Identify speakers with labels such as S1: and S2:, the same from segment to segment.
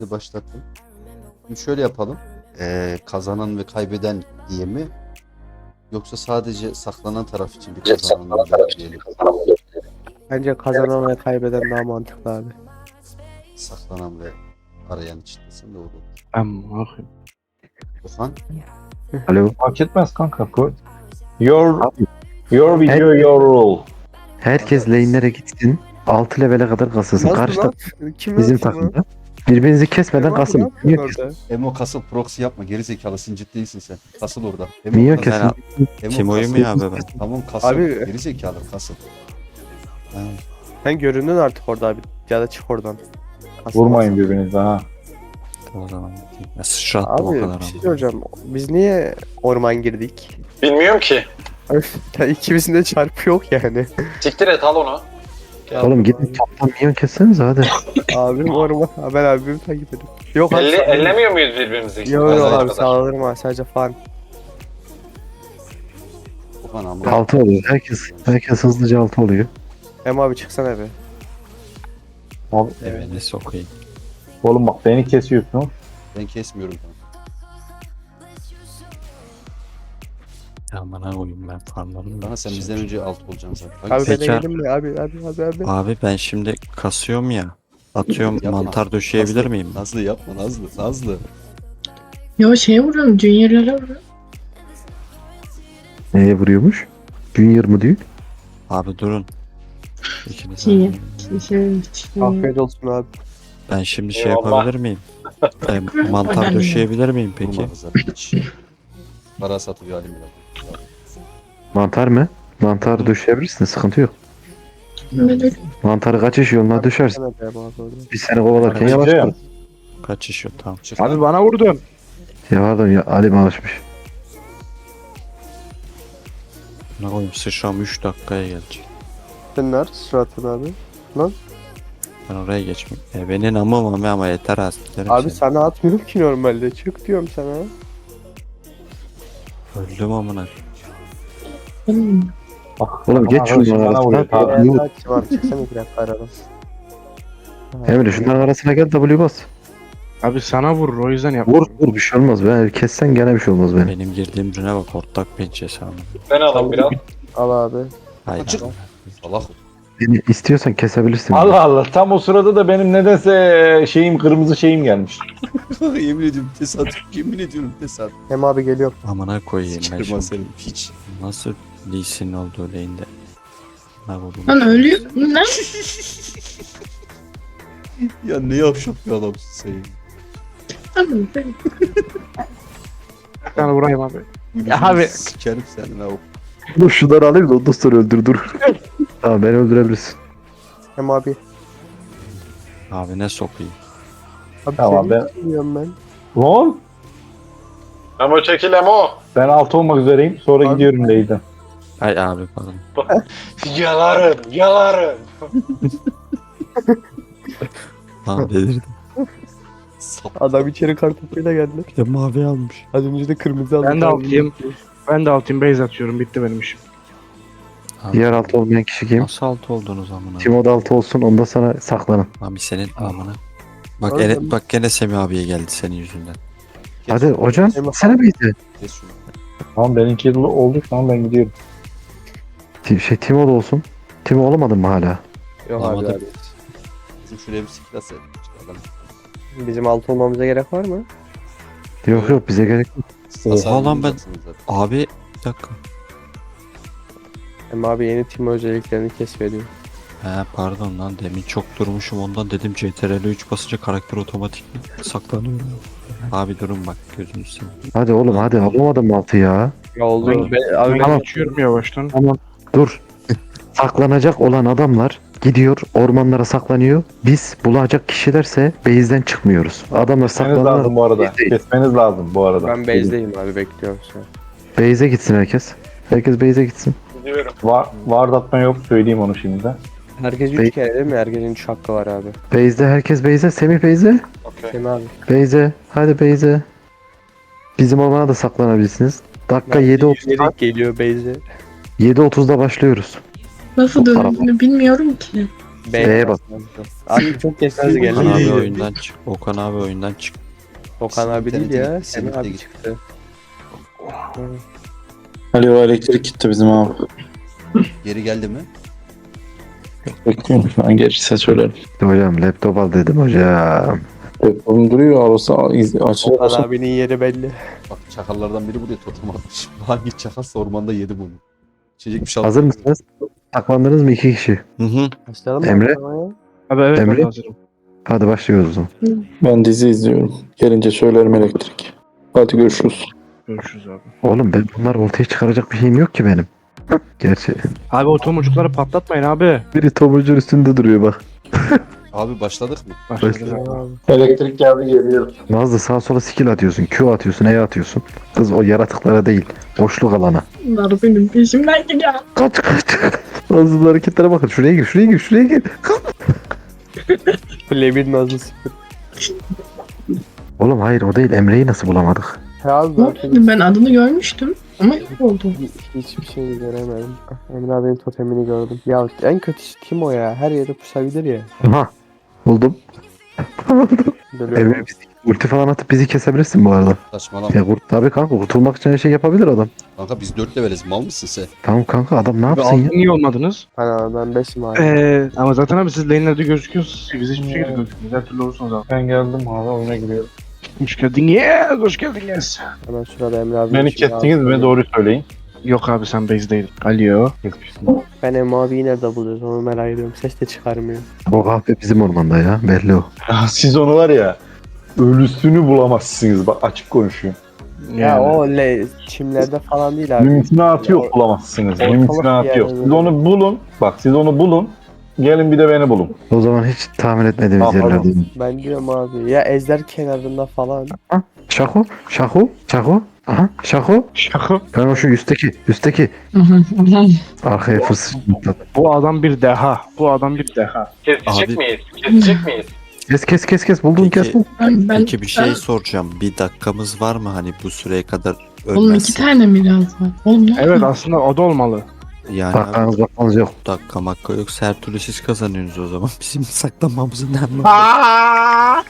S1: başlattım. Şimdi şöyle yapalım. Kazanan ve kaybeden diye mi? Yoksa sadece saklanan taraf için bir kazanan olacak diyelim.
S2: Bence kazanan ve kaybeden daha mantıklı abi.
S1: Saklanan ve arayan için desem doğru olur.
S3: Amma
S1: Okan,
S4: Alo.
S3: fark etmez kanka. Your
S4: Abi,
S3: your video, your rule.
S4: herkes lane'lere gitsin. 6 level'e kadar kasılsın. Karşıda
S2: Kim
S4: bizim
S2: yaptı lan?
S4: takımda. Birbirinizi kesmeden
S2: Kim abi, ne
S4: kasın.
S2: yapıyorsun
S4: Niye
S2: orada?
S1: Emo kasıl proxy yapma. Geri zekalısın, ciddi değilsin sen. Kasıl orada. Emo
S4: Niye
S1: kasıl.
S4: kesin?
S1: Emo
S5: Timo'yu
S1: kasıl.
S5: mu ya abi ben?
S1: Tamam kasıl.
S2: Abi-
S1: Geri zekalı kasıl. Ha,
S2: Sen göründün artık orada abi. Ya da çık oradan. Kasılmaz.
S3: Vurmayın birbirinize ha.
S5: O zaman ya sıçrattım o
S2: Abi
S5: kadar
S2: bir şey
S5: ama.
S2: söyleyeceğim. Biz niye orman girdik?
S6: Bilmiyorum ki.
S2: Ya ikimizin de çarpı yok yani.
S6: Siktir et al onu.
S4: Oğlum gidin toptan minyon kessenize hadi.
S2: Abim orman. Ben abimi takip ediyorum. Yok abi.
S6: Ellemiyor muyuz birbirimizi?
S2: Yok yok
S6: Azar
S2: abi
S6: kadar.
S2: sağlarım abi sadece fan.
S1: Okan ama.
S4: 6 oluyor. Herkes hızlıca 6 oluyor.
S2: Hem abi çıksana be.
S3: Abi,
S5: Evet ne sokayım.
S3: oğlum bak beni kesiyorsun.
S1: Ben kesmiyorum.
S5: Aman ha koyayım ben farmlarım.
S1: Daha sen bizden önce alt olacaksın zaten.
S2: Abi ben
S5: Peki.
S2: eğilim mi? Abi.
S5: Abi ben şimdi kasıyorum ya. Atıyorum
S1: Yapma.
S5: mantar döşeyebilir
S1: Nazlı,
S5: miyim?
S1: Nazlı yapma Nazlı.
S7: Yo şeye vuruyorum, Junior'lara vuruyorum.
S4: Neye vuruyormuş? Junior mu diyor?
S5: Abi durun. İkiniz
S7: Şeye.
S5: aynı.
S2: Afiyet olsun abi.
S5: Ben şimdi şey
S6: Eyvallah.
S5: yapabilir miyim? Mantar döşeyebilir miyim peki?
S1: Durma kızlar hiç. Para satıyor halim bile.
S4: Mantar mı? Mantar döşeyebilirsin. Sıkıntı yok. Mantarı kaçış yoluna düşersin.
S2: Sana be abi orada.
S4: Biz seni kovalarken
S3: Hadi
S4: yavaşlar.
S3: canım.
S5: Kaçış yok tamam.
S1: Çık
S3: Abi
S1: lan.
S3: bana vurdun.
S4: Ya pardon ya Alim alışmış.
S5: Ne koyayım sıçram 3 dakikaya gelecek.
S2: Sen nerede suratın abi?
S5: Ben oraya geçmeyeyim. Benim ama yeter aslında.
S2: Abi sana atmıyorum ki normalde. Çık diyorum sana.
S5: Öldüm amına.
S3: Bak,
S4: Oğlum geç
S3: arkadaşım
S4: şunun
S3: bana vuruyor.
S4: arasına.
S3: Tamam.
S4: Yuh.
S2: Açım abi çıksana bir dakika aradan.
S4: Emre şunların arasına gel W bas.
S8: Abi sana vurur o yüzden yap.
S4: Vur bir şey olmaz. Ben kessen gene bir şey olmaz benim.
S5: Benim girdiğim rüne bak ortak pençesi amına.
S6: Ben alayım biraz.
S2: Al abi.
S5: Hayır.
S1: Çık. Salak.
S4: Beni istiyorsan kesebilirsin.
S3: Allah Allah tam o sırada da benim nedense kırmızı şeyim gelmiş.
S1: Yemin ediyorum tesadüf. Yemin ediyorum tesadüf.
S2: Hem abi geliyorum.
S5: Amına koyayım ben
S1: Çıkarma
S5: şimdi.
S1: seni hiç.
S5: Nasıl Lee Sin olduğu lane'de? Ne oldu?
S7: Lan ölüyor. Ne?
S1: Ya ne yavşak bir adamsın sen.
S7: Abi,
S8: Bir tane vurayım abi.
S1: Ya
S8: abi.
S1: Sikerim seni la.
S4: Dur şunları alayım da ondan sonra öldür dur. Tamam beni öldürebilirsin.
S2: Hem abi.
S5: Abi ne sokayım?
S2: Abi
S3: Tamam,
S2: seni
S3: ben-
S2: bilmiyorum ben.
S3: Lan
S6: Emo çekil Emo.
S3: ben 6 olmak üzereyim. Sonra
S2: Abi-
S3: gidiyorum Leyden.
S5: Ay abi pardon.
S6: Yalarım.
S5: Tamam delirdim.
S2: Adam içeri kartopuyla geldi.
S5: Bir de mavi almış.
S2: Az önce de kırmızı aldı.
S8: Ben de altıyım. Ben de altayım base atıyorum bitti benim işim.
S5: Abi,
S4: Diğer altı olmayan kişi kim?
S5: Nasıl altı oldunuz amına?
S4: Timo da altı olsun ondan sonra saklanın.
S5: Abi senin amına. Bak
S2: Oğlum.
S5: bak gene Semih abiye geldi senin yüzünden.
S4: Hadi hocam
S2: Eyvah.
S4: sana mıydı?
S1: Kes şunu.
S3: Tamam benimki oldu şu an ben gidiyorum.
S4: Timo da olsun. Timo olamadın mı hala?
S2: Yok abi,
S5: Olamadı.
S2: abi.
S1: Bizim şuraya bir skill atsaydın. İşte adam.
S2: Bizim altı olmamıza gerek var mı?
S4: Yok yok bize gerek yok.
S1: Hasar
S5: Oha lan ben.
S1: vuracaksınız zaten.
S5: Abi bir dakika.
S2: Hem abi yeni tim özelliklerini keşfediyor.
S5: He pardon lan demin çok durmuşum ondan dedim CTRL 3 basınca karakter otomatik saklanıyor. Abi durun bak gözünü seveyim.
S4: Hadi oğlum hadi alamadın mı altı ya?
S2: Ya oldu.
S8: Ben,
S2: Abi
S8: ben
S4: Tamam.
S8: geçiyorum yavaştan.
S4: Tamam dur. Saklanacak olan adamlar gidiyor ormanlara saklanıyor. Biz bulacak kişilerse base'den çıkmıyoruz. Adamlar
S3: Kesmeniz lazım
S4: saklanıyor.
S3: bu arada.
S4: Değil.
S3: Kesmeniz lazım bu arada.
S2: ben base'deyim abi bekliyorum şu an.
S4: Base'e gitsin herkes. Herkes base'e gitsin.
S6: Gidiyorum.
S3: Ward atma yok söyleyeyim onu şimdi de.
S2: Herkes 3 kere değil mi? Herkesin 3 hakkı var abi.
S4: Base'de herkes base'e. Semih base'e.
S6: Okey.
S2: Değil mi abi?
S4: Base'e. Hadi base'e. Bizim ormana da saklanabilirsiniz. Dakika 7.30'da
S2: Yürüyerek geliyor base'e.
S4: 7.30'da başlıyoruz.
S7: nasıl
S4: Bu tarafa.
S7: döndüğünü bilmiyorum ki.
S4: B'ye bas.
S2: Abi çok geçmez
S5: Okan
S2: geldi.
S5: abi oyundan çık. Okan abi oyundan çık.
S2: Okan abi değil
S1: İnternete
S2: ya.
S1: gitti,
S2: Semih
S1: internete
S2: abi
S1: gitti.
S2: çıktı.
S9: Alo elektrik gitti bizim abi.
S1: Geri geldi mi?
S9: Bekliyorum şu an gelirse söylerim.
S4: Hocam laptop al dedim hocam.
S9: Telefonum duruyor olsa açık.
S2: Okan abinin yeri belli.
S1: Bak çakallardan biri buraya totem atmış. Hangi çakalsa ormanda yedi bunu. İçecek bir şey
S4: Hazır mısınız? Saklandınız mı 2 kişi?
S5: Hı hı.
S2: Başlayalım mı?
S4: Emre?
S8: Abi evet
S4: Emre?
S8: ben hazırım.
S4: Hadi başlıyoruz o zaman.
S9: Ben dizi izliyorum. Gelince söylerim elektrik. Hadi görüşürüz.
S8: Görüşürüz abi.
S4: Oğlum ben bunları ortaya çıkaracak bir şeyim yok ki benim. Gerçi
S8: Abi o tomurcukları patlatmayın abi.
S4: biri tomurcun üstünde duruyor bak.
S1: Abi başladık mı?
S8: Başladık abi.
S9: Elektrik geldi geliyor.
S4: Nazlı sağa sola skill atıyorsun, Q atıyorsun, E atıyorsun. Kız o yaratıklara değil, boşluk alana.
S7: Bunlar benim peşimden gidiyor.
S4: Kaç kaç. Nazlı'nın hareketlere bakın. Şuraya gir, şuraya gir, şuraya gir.
S2: Lebin nazlı sıfır.
S4: Oğlum hayır o değil. Emre'yi nasıl bulamadık?
S2: Ya
S7: Ne oldu? Ben adını görmüştüm ama yok oldu.
S2: hiçbir şey göremedim. Emre abinin totemini gördüm. Ya en kötüsü kim o ya? Her yere pusabilir ya.
S4: Aha. Buldum.
S2: Dönüyorum.
S4: Emre ulti falan atıp bizi kesebilirsin bu arada.
S1: Saçmalama.
S4: Ya tabii kanka kurtulmak için her şey yapabilir adam.
S1: Kanka biz 4 leveliz. Mal mısın sen?
S4: Tamam kanka adam ne
S8: Abi
S4: yapsın ya?
S8: altın niye olmadınız?
S2: Hani ben 5'im abi.
S8: Ama zaten abi siz lane'lerde gözüküyorsunuz. Biz hiçbir şekilde gözükmüyoruz. Her türlü olursunuz abi.
S6: Ben geldim abi oyuna giriyorum.
S8: Hoş geldin yes. Hoş geldin yes.
S2: Hemen şurada Emre abi.
S6: Beni kestiniz mi? Doğru söyleyin.
S8: Yok abi sen base'deydin. Alo.
S2: Ben Emre abiyi nerede buluyoruz onu merak ediyorum. Ses de çıkarmıyor.
S4: O kahve bizim ormanda ya belli o.
S3: Ya siz onu var ya ölüsünü bulamazsınız. Bak açık konuşuyorum.
S2: Ya o çimlerde falan değil abi.
S3: Mümkünatı yok
S2: Ya,
S3: bulamazsınız.
S2: ortalık
S3: Mümkünatı
S2: bir
S3: yok.
S2: yerde
S3: Siz onu bulun. Bak siz onu bulun. Gelin bir de beni bulun.
S4: O zaman hiç tahmin etmediğimiz
S3: Tamam,
S4: yerlerde.
S2: Ben diyorum abi. Ya Ejder kenarında falan.
S4: Şako, Şako, Şako. Aha, Şako.
S8: Şaka.
S4: Ben o şu üstteki arkaya fırsat.
S8: Bu adam bir deha. Bu adam bir deha.
S6: Kesecek
S5: Abi-
S6: miyiz? Kesecek miyiz?
S4: Kes buldun
S5: Peki-
S4: kes.
S7: Ben,
S5: Peki bir şey soracağım. Bir dakikamız var mı hani bu süreye kadar
S7: Oğlum 2
S5: ölmezsek?
S7: tane mi lazım? Oğlum ne
S8: Evet
S7: oldu?
S8: aslında o da olmalı.
S5: Yani
S4: Bakmanız bakmanız yok.
S5: dakika makka yoksa her türlü siz kazanıyorsunuz o zaman. Bizim saklanmamızın ne anlamı var?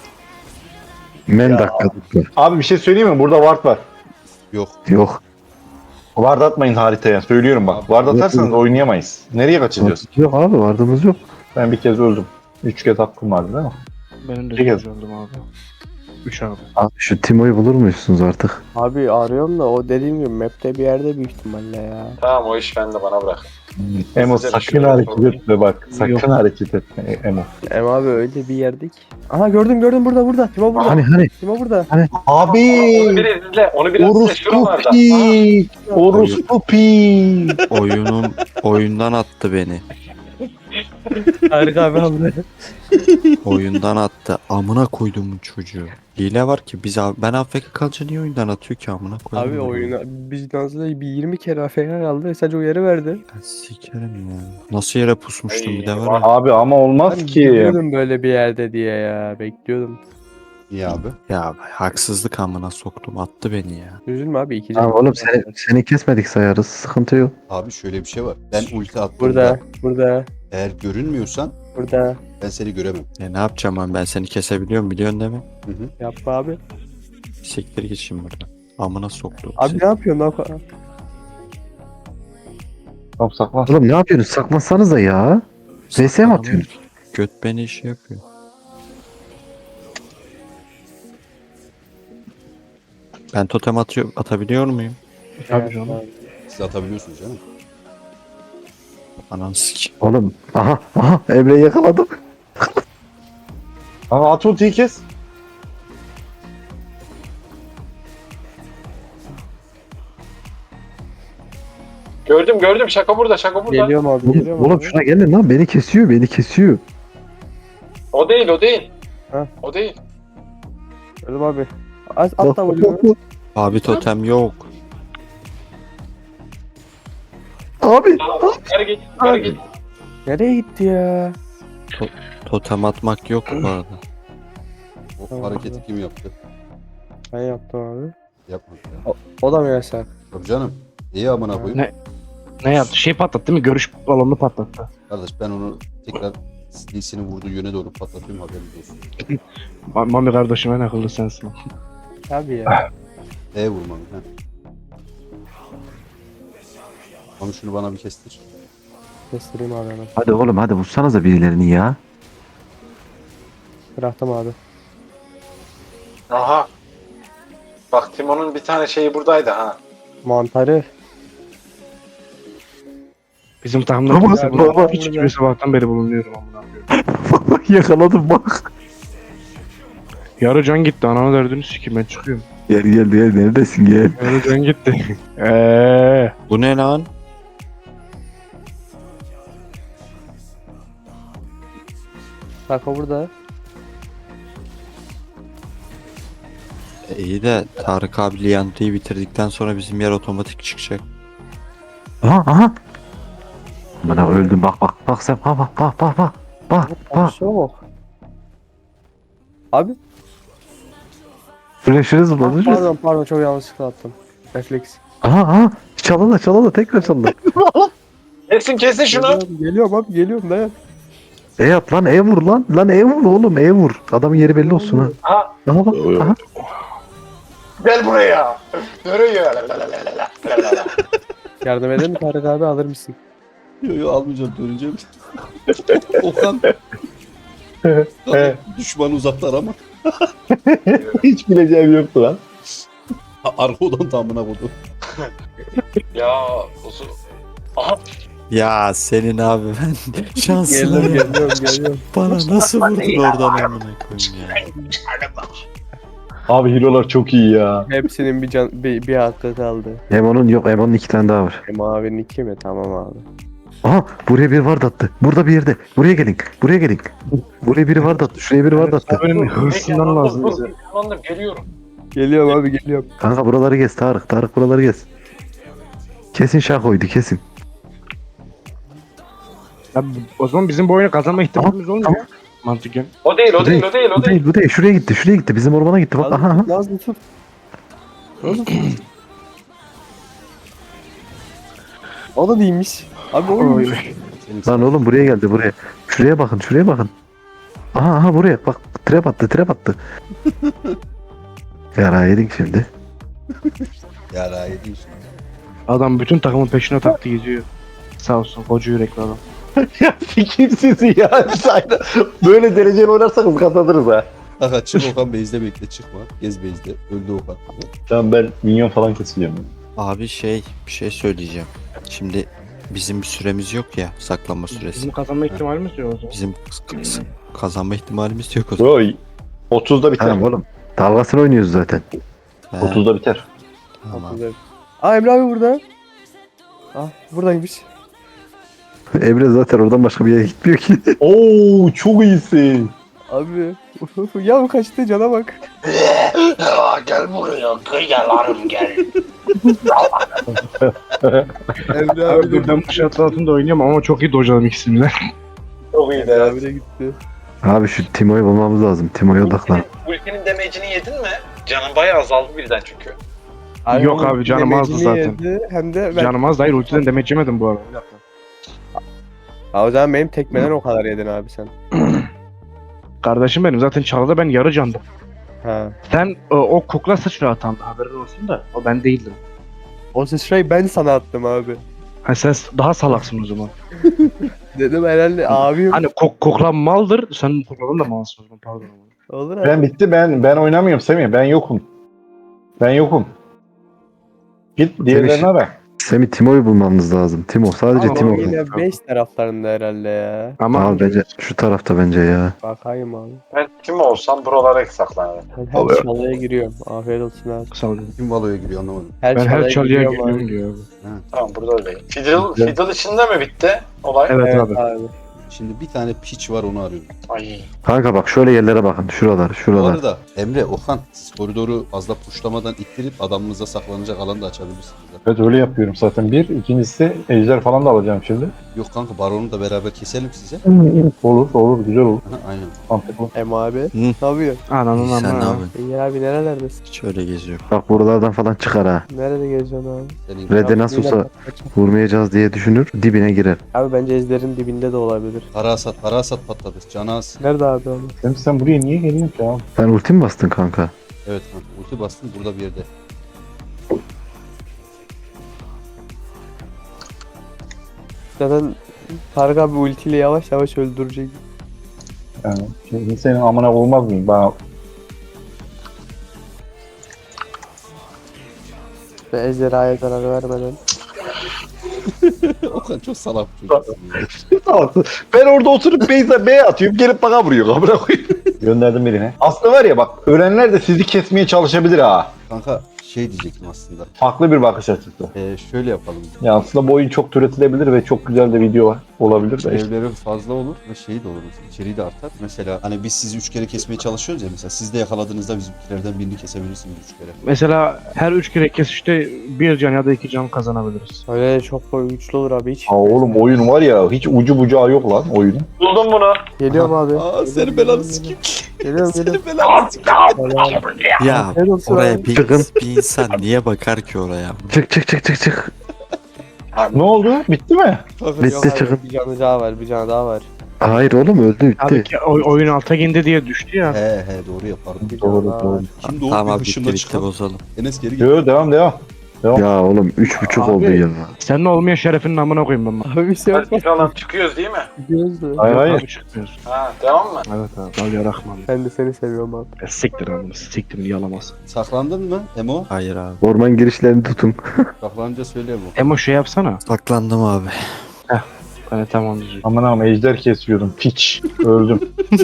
S4: Men dakika.
S3: Abi bir şey söyleyeyim mi? Burada ward var.
S1: Yok.
S4: Yok.
S3: Ward atmayın haritaya. Söylüyorum bak. Ward atarsanız oynayamayız. Nereye kaçacağız?
S4: Yok abi vardığımız yok.
S3: Ben bir kez öldüm. 3 kez hakkım vardı değil mi?
S8: Benim de
S3: Bir kez.
S8: öldüm abi. 3 abi.
S4: Abi şu Timo'yu bulur musunuz artık?
S2: Abi arıyorum da o dediğim gibi map'te bir yerde büyük ihtimalle ya.
S6: Tamam o iş bende bana bırak.
S3: Emo
S6: Size
S3: sakın
S6: düşünüyorum,
S3: hareket
S6: sorun.
S3: etme bak. Sakın
S8: Yok.
S3: hareket etme Emo.
S2: Em abi öyle bir yerdik. Aha gördüm burada. Timo burada.
S4: Hani
S2: Timo burada.
S3: Abi!
S6: Onu biraz izle. Onu biraz izle.
S3: Orospu
S6: Şuralarda.
S3: pi! Orospu pi!
S5: Oyundan attı beni.
S2: Harika abi abi.
S5: Oyundan attı. Amına koydum bu çocuğu. Hile var ki ben AFK kalınca niye oyundan atıyor ki amına koydum.
S2: Abi oyuna biz Nazlı'da bir 20 kere AFK kaldı. Sadece uyarı verdi.
S5: Ben sikerim ya. Nasıl yere pusmuştum bir de var ya.
S3: Abi ama olmaz
S2: Ben
S3: ki.
S2: bekliyordum böyle bir yerde diye ya. Bekliyordum.
S1: İyi abi.
S5: Ya haksızlık amına soktum. Attı beni ya.
S2: Üzülme abi 2
S4: Tamam oğlum seni kesmedik sayarız. Sıkıntı yok.
S1: Abi şöyle bir şey var. Ben ulti attığımda
S2: Burada.
S1: eğer görünmüyorsan
S2: Burada.
S1: ben seni göremem.
S5: Ne yapacağım ben seni kesebiliyorum biliyorsun değil mi?
S1: Hı hı.
S2: Yapma abi.
S5: Siktir git şimdi buradan. Amına soktum.
S2: Abi ne yapıyorsun? Ne yapıyorsun?
S3: Tamam saklan.
S4: Oğlum ne yapıyorsunuz? Saklansanız da ya. VS mi atıyorsunuz?
S5: Göt beni işi yapıyor. Ben totem atabiliyor muyum?
S8: Tabii canım.
S1: Siz atabiliyorsunuz canım.
S5: Ananı sik.
S4: Oğlum aha Emre'yi yakaladım.
S3: Ama at ultiyi kes.
S6: Gördüm. Şaka burada. Şaka burada.
S2: Geliyorum abi. Geliyorum
S4: Oğlum
S2: abi.
S4: şuna gelin lan beni kesiyor.
S6: O değil.
S2: Ha.
S6: O değil.
S2: Gördüm abi. At da vuruyor.
S5: Abi totem yok.
S4: Abi
S6: Yukarı git.
S2: Nereye gitti ya?
S5: Totem atmak yok bu arada.
S1: O
S2: Tamam,
S1: hareketi kim yaptı?
S2: Ben yaptım abi.
S1: Yapmadı ya.
S2: O da mı yasak?
S1: Tabii canım. İyi amına koyayım.
S8: Ne yaptı? Şey patlattı değil mi? Görüş balonunu patlattı.
S1: Kardeş ben onu tekrar Lee'sinin vurduğu yöne doğru patlatıyorum, haberiniz olsun.
S8: Mami kardeşim en akıllı sensin.
S2: Tabii ya.
S1: Vurmam. He. Ama şunu bana bir kestir.
S2: Kestireyim abi hemen.
S4: Hadi oğlum hadi vursanıza birilerini ya.
S2: Bıraktım abi.
S6: Aha. Bak Timon'un bir tane şeyi buradaydı ha.
S2: Mantarı.
S8: Bizim takımda
S4: Baba,
S8: kimse
S4: baba.
S8: burada hiç bir sabahtan beri bulunuyorum amına koyayım.
S4: Yakaladım bak.
S8: Yarı can gitti ananı derdini sikeyim ben çıkıyorum.
S4: Gel neredesin gel.
S8: Yarı can gitti.
S5: Bu ne lan?
S2: Sako burada.
S5: İyi de Tarık abi Liantı'yı bitirdikten sonra bizim yer otomatik çıkacak.
S4: Aha. Bana öldüm bak sen bak.
S2: Bir şey yok. Abi.
S4: Flash'ını zıpladı.
S2: Pardon çok yanlışlıkla attım. Refleks.
S4: Aha. Çalala tekrar çalala.
S6: Kesin şunu.
S2: Geliyorum abi geliyorum dayan.
S4: E at lan vur lan. Lan vur oğlum vur. Adamın yeri belli olsun ha.
S6: Ha.
S4: Aha bak. Aha.
S6: Gel buraya. Nereye?
S2: Yardım edeyim mi Tarık abi alır mısın?
S1: Yo almayacağım, döneceğim. Okan. Düşmanı uzaklar ama.
S3: Hiç bileceğim yoktu lan.
S1: Arka odan tamına vurdu.
S6: Ya uzun. Aha.
S5: Ya senin abi ben şansına
S2: Geliyorum.
S5: bana nasıl vurdun oradan amına koyayım ya.
S3: Abi hero'lar çok iyi ya.
S2: Hepsinin bir hakkı kaldı.
S4: Emon'un yok. Emon'un 2 tane daha var.
S2: Mavinin 2 mi? Tamam abi.
S4: Aha buraya biri var attı. Burada bir yerde. Buraya gelin. Buraya biri var attı. Şuraya biri var attı.
S8: Benim hırsından lazım bize.
S6: Tamam geliyorum.
S2: Geliyorum abi geliyorum.
S4: Kanka buraları gez Tarık. Tarık buraları gez. Kesin şakoydu kesin.
S8: Ya, o zaman bizim bu oyunu kazanma ihtimalimiz olmuyor. Mantıken.
S6: O değil.
S4: Bu değil. Şuraya gitti. Bizim ormana gitti. Bak aha.
S2: Nazlı tut. O da değilmiş. Abi o
S8: Oy.
S4: Lan oğlum buraya geldi buraya. Şuraya bakın. Aha buraya bak trap attı. Yara yedik şimdi.
S1: Ya daha iyi değil.
S8: Adam bütün takımın peşine taktı geziyor. Sağ olsun koca yürekli adam.
S3: Ya fikirsiz ya. Böyle dereceli oynarsanız kazanırız ha.
S1: Aha çık Okan, base'de bekle, çıkma. Gez base'de. Öldü Okan.
S3: Tamam ben minyon falan kesiliyorum.
S5: Abi bir şey söyleyeceğim. Şimdi bizim bir süremiz yok ya, saklanma süresi.
S8: Bizim kazanma ihtimalimiz yok o zaman.
S5: Bizim kazanma ihtimalimiz yok o zaman.
S3: Bro 30'da biter.
S4: Tamam oğlum. Dalgasını oynuyoruz zaten.
S5: He,
S3: 30'da biter.
S5: tamam.
S2: Aa Emre abi burada. Ah buradaymış.
S4: Emre zaten oradan başka bir yere gitmiyor ki.
S3: Oo çok iyisin.
S2: Abi. Ya bu kaçtı cana bak.
S6: Gel buraya. Kıyalarım gel.
S2: Emre
S8: Abi
S2: abi
S8: dur ben bu şartlar altında oynuyorum ama çok iyi dojladım ikisini de.
S6: Çok iyi
S2: Emre abi de gitti.
S4: Abi şu Timo'yu bulmamız lazım. Timo'ya odaklan.
S6: Ultinin damage'ini yedin mi? Canın bayağı azaldı birden çünkü.
S8: Yok abi, canım azdı
S2: demecini
S8: zaten.
S2: yedi, hem de ben...
S8: Canım az değil ultiden demet yemedim bu arada. Bir dakika.
S2: Ha, o zaman benim tekmeden o kadar yedin abi sen.
S8: Kardeşim benim zaten çalıda ben yarı candım.
S2: Ha.
S8: Sen o kukla sıçra atan haberin olsun da o ben değildim.
S2: O sıçrayı ben sana attım abi.
S8: Ha sen daha salaksın o zaman.
S2: Dedim herhalde abim.
S8: Hani kukla maldır sen kuklanın da malsın o zaman pardon.
S2: Olur abi.
S3: Ben bitti ben oynamıyorum Semih. Ben yokum. Git diğerlerine ara.
S4: Semih Timo'yu bulmamız lazım. Timo sadece
S8: Ama
S4: Timo.
S2: Yine 5 taraflarında herhalde ya.
S8: Ama
S4: Abi bence şu tarafta bence ya.
S2: Bakayım abi.
S6: Ben kim olsam buralara saklanırım.
S2: Ben her çalıya giriyorum. Afiyet olsun abi.
S8: sağ olun.
S1: Kim Valo'ya giriyor anlamadım.
S8: Ben her çalıya
S2: giriyorum
S8: geliyorum
S2: abi.
S8: diyor abi.
S6: Tamam burada öyleyim. Fiddle içinde mi bitti olay?
S8: Evet,
S2: Evet
S8: abi.
S2: abi.
S1: Şimdi bir tane piç var, onu arıyorum.
S6: Ay.
S4: Kanka bak şöyle yerlere bakın.
S1: Bu
S4: Şuralar.
S1: arada Emre, Okan, siz koridoru fazla puşlamadan ittirip adamınıza saklanacak alan da açabilirsiniz.
S3: Evet öyle yapıyorum zaten. Bir. İkincisi ejder falan da alacağım şimdi.
S1: Yok kanka, baronu da beraber keselim size.
S3: Olur güzel olur.
S1: Aha, aynen.
S3: Mantıklı.
S2: Em abi.
S5: Hı.
S2: Ne yapıyorsun?
S8: Ananın
S5: Sen ne
S8: amına.
S5: yapıyorsun?
S2: İyi abi nerelerdesin?
S5: Şöyle geziyor.
S4: Bak buralardan falan çıkar ha.
S2: Nerede geziyorsun abi?
S1: Senin
S4: Red'e nasıl olsa vurmayacağız diye düşünür. Dibine girer.
S2: Abi bence ezlerin dibinde de olabilir. Hayırdır?
S1: Para hasat patladı. Canı az.
S2: Nerede abi onu?
S3: Sen buraya niye geliyorsun ki abi?
S4: Sen ulti mi bastın kanka?
S1: Evet kanka. Ulti bastın burada bir yerde.
S2: Zaten Tarık abi ultiyle yavaş yavaş öldürecek.
S3: Yani şimdi senin amına olmaz mıyım? Bana
S2: Ve ejderhaya zarar vermeden.
S1: Okan çok salak bir çocuksun ya.
S3: ben orada oturup B atıyorum gelip bana vuruyor. Amına koyayım. Gönderdim birine. Aslında var ya bak ölenler de sizi kesmeye çalışabilir ha.
S1: Kanka şey diyecektim aslında.
S3: Farklı bir bakış açısı.
S1: Şöyle yapalım.
S3: Ya aslında bu oyun çok türetilebilir ve çok güzel de video olabilir de işte.
S1: Evleri fazla olur ve şey de olur. İçeriği de artar. Mesela hani biz sizi 3 kere kesmeye çalışıyoruz ya mesela. Siz de yakaladığınızda bizimkilerden birini kesebilirsiniz 3 kere.
S8: Mesela her 3 kere kesişte 1 can ya da 2 can kazanabiliriz.
S2: Öyle çok güçlü olur abi hiç.
S3: Aa oğlum oyun var ya hiç ucu bucağı yok lan oyunun.
S6: Buldum bunu.
S2: Geliyorum abi.
S1: Aa senin belanı sikeyim.
S2: Geliyorum.
S1: Senin belanı sikeyim.
S5: Ya
S2: Helal olsun
S5: oraya
S2: abi.
S5: bir insan niye bakar ki oraya?
S4: Çık.
S3: Ne oldu? Bitti mi?
S4: Bitti
S2: Yok abi,
S4: çıkın.
S2: bir canı daha var, bir canı daha var.
S4: Hayır oğlum öldü
S8: Abi
S4: bitti.
S8: ki oyun alta gindi diye düştü ya.
S1: He doğru yapardım.
S2: Bir canı daha var.
S1: Şimdi o
S5: Tamam
S1: bir
S5: abi
S1: hışımla
S5: bitti
S1: çıkalım.
S5: bozalım.
S1: Enes geri gel.
S3: Yo devam.
S4: Ya oğlum 3.5
S8: Abi.
S4: oldu ya.
S8: Senin olmayan şerefinin amına koyayım ben.
S2: Abi bir şey yapma.
S6: Falan çıkıyoruz değil mi?
S2: Gidiyoruz da.
S3: Hayır hayır.
S8: Abi çıkmıyoruz.
S6: Ha devam mı?
S8: Evet abi. Al yarakma.
S2: Ben de seni seviyorum abi.
S8: Siktir amına. Siktir yalamaz.
S1: Saklandın mı Emo?
S5: Hayır abi.
S4: Orman girişlerini tutun.
S1: Saklanınca söyle Emo.
S8: Emo şey yapsana.
S5: Saklandım abi.
S8: Ben tamam diyeceğim.
S3: Aman aman ejder kesiyordum. Piç. Öldüm.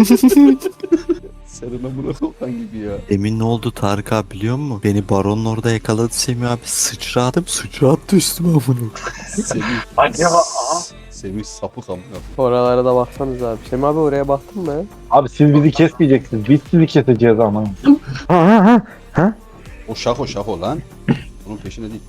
S1: Senin amına kokan gibi ya.
S5: Emin ne oldu Tarık abi biliyor musun? Beni baronun orada yakaladı Semih abi. Sıçrattı üstüme bunu.
S1: Semih.
S6: Acaba aha.
S1: Semih sapık amına.
S2: Oralara da baksanız abi. Şem abi oraya baktın mı?
S3: Abi siz bizi kesmeyeceksiniz. Biz sizi keseceğiz ama.
S4: Ha.
S1: O şako lan. Bunun peşine değil.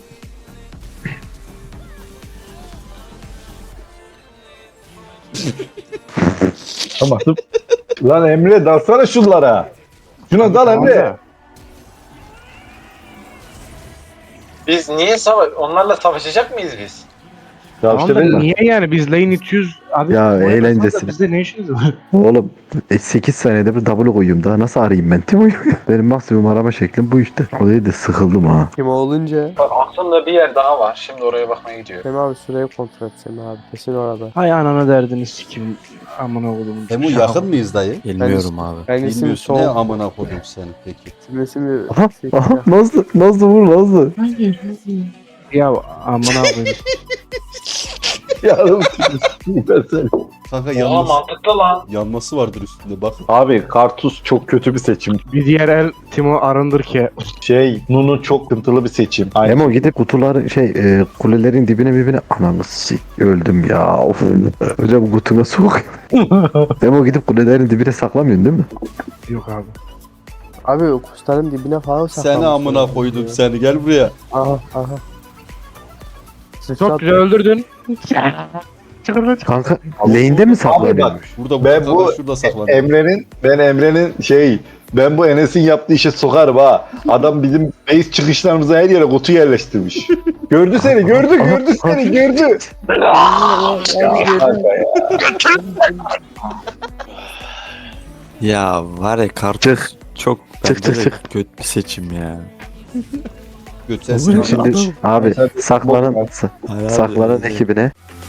S3: Tamam. Lan Emre dalsana şunlara. Şuna dal Emre.
S6: Biz niye onlarla savaşacak mıyız biz?
S3: Ya
S8: Tamam
S3: işte
S8: da
S3: ben
S8: niye yani biz lane itiyoruz abi.
S4: Ya,
S8: oraya
S4: eğlencesine.
S8: basarsa Bizde ne işiniz var?
S4: Oğlum 8 saniyede bir double koyayım daha nasıl arayayım ben Timo'yu? Benim maksimum arama şeklim bu işte. O değil de sıkıldım ha.
S2: Kim olunca?
S6: Bak aklımda bir yer daha var. Şimdi oraya bakmaya gidiyor.
S2: Şem abi süreyi kontrol et Şem abi. Kesin orada.
S8: Hay anana derdini sikim. Amına koydum.
S1: Emo yakın mıyız dayı?
S5: Bilmiyorum abi.
S2: Ben isim
S1: Bilmiyorsun ne
S2: soğuk.
S1: amına koydum seni peki.
S2: İsim
S4: Aha Nazlı vur Nazlı.
S7: Hayır.
S8: Ya amına koydum.
S3: ya ben seni.
S1: Kanka
S6: Oha mantıklı lan.
S1: yanması vardır üstünde bak.
S3: Abi Kartus çok kötü bir seçim.
S8: Bir diğer el Timo arındır ki.
S3: Nunu çok sıkıntılı bir seçim. Aynen.
S4: Emo gidip kutuları kulelerin dibine ananı öldüm ya. Of. Hocam kutuna sok. Emo gidip kulelerin dibine saklamıyorsun değil mi?
S8: Yok abi.
S2: Abi kuşların dibine falan saklanmış.
S1: Seni amına koydum seni gel buraya.
S2: Aha.
S8: Çok güzel öldürdün.
S4: Kanka lane'de mi saklanıyormuş?
S1: Burada
S3: Ben bu
S1: şurada saklanıyor.
S3: Emre'nin ben bu Enes'in yaptığı işe sokarım ha. Adam bizim base çıkışlarımıza her yere kutu yerleştirmiş. Gördü seni. Gördü.
S5: Ya var ya kartçık çok
S4: Çık,
S5: bence de
S4: çık.
S5: kötü bir seçim ya.
S1: Götsensin.
S4: Şimdi abi saklanan
S5: Hayır abi,
S4: saklanan ekibine